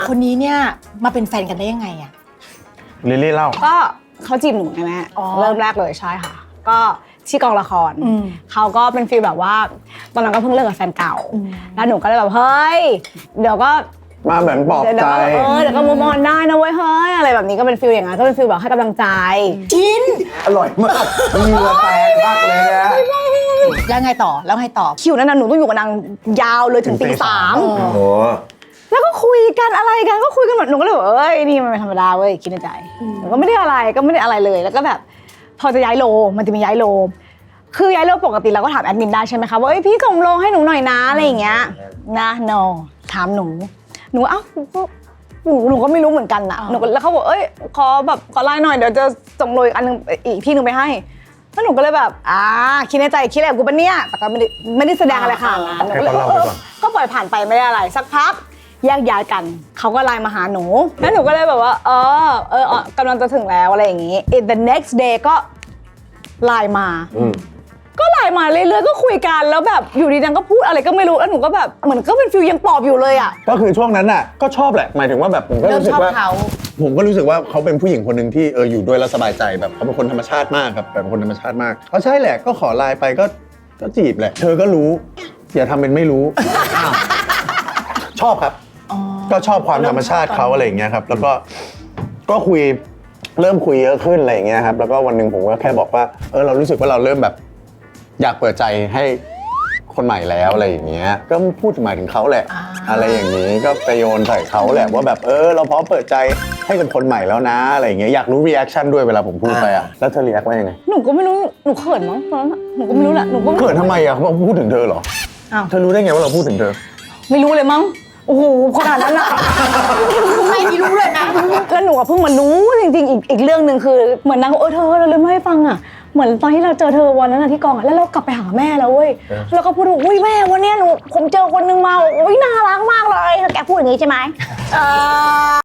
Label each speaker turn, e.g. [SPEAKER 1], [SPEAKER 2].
[SPEAKER 1] คนนี้เนี่ยมาเป็นแฟนกันได้ยังไงอะ
[SPEAKER 2] ลิลลี่เล่า
[SPEAKER 3] ก็เขาจีบหนูไงแม่เริ่มแรกเลยใช่ค่ะก็ที่กองละครเขาก็เป็นฟีลแบบว่าตอนนั้นก็เพิ่งเลิกกับแฟนเก่าแล้วหนูก็เลยแบบเฮ้ยเดี๋ยวก็
[SPEAKER 2] มาเหมือนปลอบใจ
[SPEAKER 3] เดี๋ยวก็มูฟออนได้นะเว้ยเฮ้ยอะไรแบบนี้ก็เป็นฟีลอย่างนั้นก็เป็นฟีลแบบให้กำลังใจ
[SPEAKER 1] จิน
[SPEAKER 2] อร่อยมากเหงื่อแตกมากเลยนะ
[SPEAKER 1] แล้วไงต่อแล้วไงต่อ
[SPEAKER 3] คิวนั้นน่ะหนูต้องอยู่กับนางยาวเลยถึงตี 3
[SPEAKER 2] โอ้โห
[SPEAKER 3] แล้วก็คุยกันอะไรกันก็คุยกันแบบหนูก็เลยแบบเอ้ยนี่มันเป็นธรรมดาเว้ยคิดในใจหนูก็ไม่ได้อะไรเลยแล้วก็แบบพอจะย้ายโลมันจะมีย้ายโลคือย้ายโลปกติเราก็ถามแอดมินได้ใช่ไหมคะว่าเอ้ยพี่ส่งโลให้หนูหน่อยนะอะไรอย่างเงี้ยนะ no ถามหนูเอ้าหนูก็ไม่รู้เหมือนกันนะหนูแล้วเขาบอกเอ้ยขอไลน์หน่อยเดี๋ยวจะส่งโลอีกอันนึงอีกที่นึงไปให้แล้วหนูก็เลยแบบคิดในใจคิดอะไรกับกูปะเนี่ยแต่ก็ไม่ได้แสดงอะไรค่ะก็ปล่อยผ่านไปไม่ได้อะไรสักพักแยกย้ายกันเขาก็ไลน์มาหาหนูแล้วหนูก็เลยแบบว่ากำลังจะถึงแล้วอะไรอย่างงี้ the next day ก็ไลน์มาก็ไลน์มาเรื่อยๆก็คุยกันแล้วแบบอยู่ดีนางก็พูดอะไรก็ไม่รู้แล้วหนูก็แบบเหมือนก็เป็นฟิลยังปลอบอยู่เลยอ่ะ
[SPEAKER 2] ก็คือช่วงนั้นน่ะก็ชอบแหละหมายถึงว่าแบบผมก็รู้สึกว่าผมก็รู้สึกว่าเขาเป็นผู้หญิงคนหนึ่งที่อยู่ด้วยแล้วสบายใจแบบเขาเป็นคนธรรมชาติมากครับแบบเป็นคนธรรมชาติมากก็ใช่แหละก็ขอไลน์ไปก็จีบแหละเธอก็รู้อย่าทำเป็นไม่รู้ชอบครับก็ชอบความธรรมชาติเขาอะไรอย่างเงี้ยครับแล้วก็คุยเริ่มคุยเยอะขึ้นอะไรอย่างเงี้ยครับแล้วก็วันหนึ่งผมก็แค่บอกว่าเรารู้สึกว่าเราเริ่มแบบอยากเปิดใจให้คนใหม่แล้วอะไรอย่างเงี้ยก็พูดหมายถึงเขาแหละอะไรอย่างนี้ก็ไปโยนใส่เขาแหละว่าแบบเราพร้อมเปิดใจให้กับคนใหม่แล้วนะอะไรอย่างเงี้ยอยากรู้รีแอคชั่นด้วยเวลาผมพูดไปอ่ะแล้วเธอรีแอคว่ายังไง
[SPEAKER 3] หนูก็ไม่รู้หนูเขินมั้งตอนนั้นหนูก็ไม่รู้แหละหนูก็
[SPEAKER 2] เขินทำไมอ่ะเขาพูดถึงเธอเหรอเธอรู้ได้ไงว่าเราพูดถึงเธอ
[SPEAKER 3] ไม่รู้เลยมั้งโอ้โหขนาดนั้นอะ
[SPEAKER 1] ไม่รู้เลยนะ
[SPEAKER 3] แล้วหนูเพิ่งมารู้จริงๆอีกเรื่องหนึ่งคือเหมือนนางเธอเราลืมให้ฟังอะเหมือนตอนที่เราเจอเธอวันนั้นที่กองอะแล้วเรากลับไปหาแม่แล้วเว้ยแล้วก็พูดว่าอุ้ยแม่วันนี้ผมเจอคนนึงมาอุ้ยน่ารักมากเลยแกพูดอย่างนี้ใช่ไหม